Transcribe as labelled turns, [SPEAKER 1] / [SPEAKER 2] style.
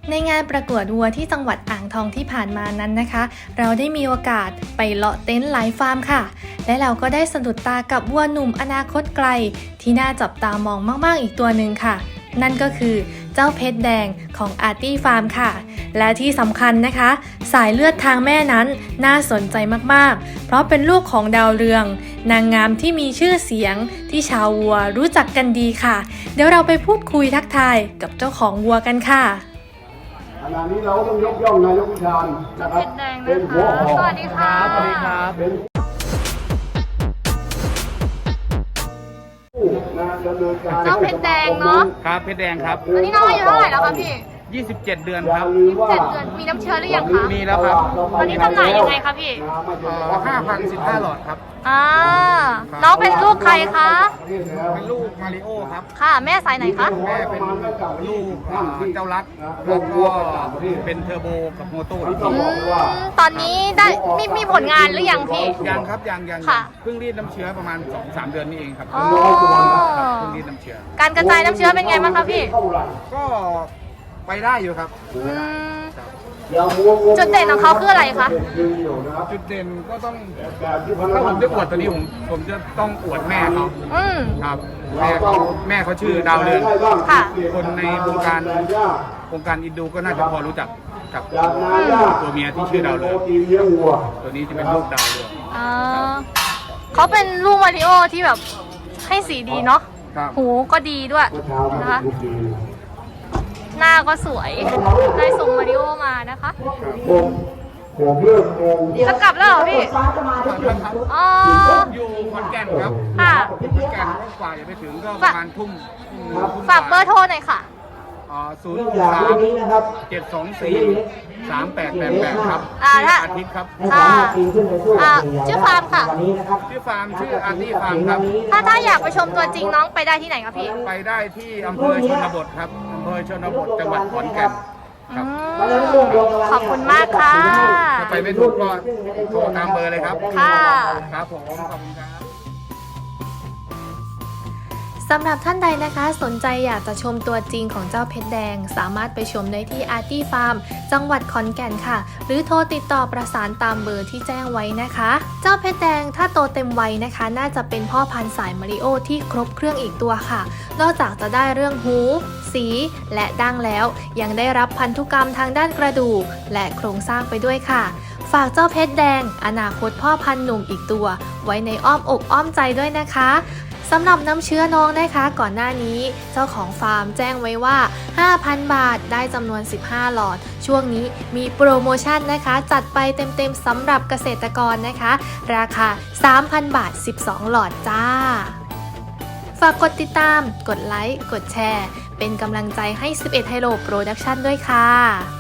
[SPEAKER 1] ในงานประกวดวัวที่จังหวัดอ่างทองที่ผ่านมานั้นนะคะ เราได้มีโอกาสไปเลาะเต็นท์หลายฟาร์มค่ะและเราก็ได้สะดุดตากับวัวหนุ่มอนาคตไกลที่น่าจับตามองมากๆอีกตัวหนึ่งค่ะนั่นก็คือเจ้าเพชรแดงของอาร์ตี้ฟาร์มค่ะและที่สำคัญนะคะสายเลือดทางแม่นั้นน่าสนใจมากๆเพราะเป็นลูกของดาวเรืองนางงามที่มีชื่อเสียงที่ชาววัวรู้จักกันดีค่ะเดี๋ยวเราไปพูดคุยทักทายกับเจ้าของวัวกันค่ะ
[SPEAKER 2] ขณะนี้เราต้องยกย่องนายกวิชาญนะครับเป็นหัวหอก
[SPEAKER 1] สวัสดีค่ะสวัสดีครับ
[SPEAKER 2] เป็นผู้ดำเนินการ
[SPEAKER 1] น้องเพชรแดงเนาะ
[SPEAKER 3] ครับเพชรแดงครับ
[SPEAKER 1] ตอนนี้น้องอายุเท่าไหร่แล้วคะพี่
[SPEAKER 3] 27 เดือนครับ
[SPEAKER 1] 27 เดือนมีน้ำเชื้อหรือยังคะ
[SPEAKER 3] มีแล้วครับ
[SPEAKER 1] ตอนนี้จำหน่ายยังไงคะพี่
[SPEAKER 3] 5,015 หลอดครับ
[SPEAKER 1] น้องเป็นลูกใครคะ
[SPEAKER 3] เป็นลูกมาริโอครับ
[SPEAKER 1] ค่ะแม่สายไหนคะ
[SPEAKER 3] แม่เป็นลูกเจ้ารักแล้วก็เป็นเทอร์โบกับโมโต้อีกที
[SPEAKER 1] ตอนนี้ได้มีผลงานหรือยังพี่
[SPEAKER 3] ยังครับยัง
[SPEAKER 1] ค่ะ
[SPEAKER 3] เพิ่งรีดน้ำเชื้อประมาณ 2-3 เดือนนี้เองครับ
[SPEAKER 1] อ๋อ
[SPEAKER 3] เพิ่งรีดน้ำเชื้อ
[SPEAKER 1] การกระจายน้ำเชื้อเป็นไงบ้างคะพี่
[SPEAKER 3] ก็ไปได้อยู่ครับ
[SPEAKER 1] จุดเด่นของเขาคืออะไรคะ
[SPEAKER 3] จุดเด่นก็ต้องถ้าผมจะอวดตัวนี้ผมจะต้องอวดแม่เขาครับแม่เขาชื่อดาวเรือง
[SPEAKER 1] ค่ะ
[SPEAKER 3] คนในวงการอินดูก็น่าจะพอรู้จักกับตัวเมียที่ชื่อดาวเรืองตัวนี้จะเป็นลูกดาวเรือง
[SPEAKER 1] เขาเป็นลูกมาริโอที่แบบให้สีดีเนาะ
[SPEAKER 3] ครับ
[SPEAKER 1] หูก็ดีด้วยนะคะหน้าก็สวยได้ส่งมาริโอมานะคะจะกลับแล้วเหรอพี่อ๋อ
[SPEAKER 3] อยู่ขอนแก่นครับ
[SPEAKER 1] ค่ะ
[SPEAKER 3] ขอนแก่นก็กว่าจะไปถึงก็ประมาณทุ่ม
[SPEAKER 1] ฝากเบอร์โทรหน่อยค่ะ
[SPEAKER 3] 063-724-3888 ครับ
[SPEAKER 1] ถ้า
[SPEAKER 3] อาทิตย์ครับ
[SPEAKER 1] ชื่อฟาร์มค่ะ
[SPEAKER 3] ชื่อฟาร์มชื่ออาร์ตี้ฟาร์มครับ
[SPEAKER 1] ถ้าอยากไปชมตัวจริงน้องไปได้ที่ไหนคะพี่
[SPEAKER 3] ไปได้ที่อำเภอชนบทครับอำเภอชนบทจังหวัดขอนแก่นครับ
[SPEAKER 1] ขอบคุณมากค่ะ
[SPEAKER 3] ถ้าไปไม่ถูกก็โทรตามเบอร์เลยครับ
[SPEAKER 1] ค่ะ
[SPEAKER 3] ครับผมขอบคุณครับ
[SPEAKER 1] สำหรับท่านใดนะคะสนใจอยากจะชมตัวจริงของเจ้าเพชรแดงสามารถไปชมได้ที่อาร์ตี้ฟาร์มจังหวัดขอนแก่นค่ะหรือโทรติดต่อประสานตามเบอร์ที่แจ้งไว้นะคะเจ้าเพชรแดงถ้าโตเต็มวัยนะคะน่าจะเป็นพ่อพันธุ์สายมาริโอที่ครบเครื่องอีกตัวค่ะนอกจากจะได้เรื่องหูสีและดั้งแล้วยังได้รับพันธุกรรมทางด้านกระดูกและโครงสร้างไปด้วยค่ะฝากเจ้าเพชรแดงอนาคตพ่อพันธุ์หนุ่มอีกตัวไว้ในอ้อมอกอ้อมใจด้วยนะคะสำหรับน้ำเชื้อน้องนะคะก่อนหน้านี้เจ้าของฟาร์มแจ้งไว้ว่า 5,000 บาทได้จำนวน15หลอดช่วงนี้มีโปรโมชั่นนะคะจัดไปเต็มๆสำหรับเกษตรกรนะคะราคา 3,000 บาท12หลอดจ้าฝากกดติดตามกดไลค์กดแชร์เป็นกำลังใจให้11 Hilo Production ด้วยค่ะ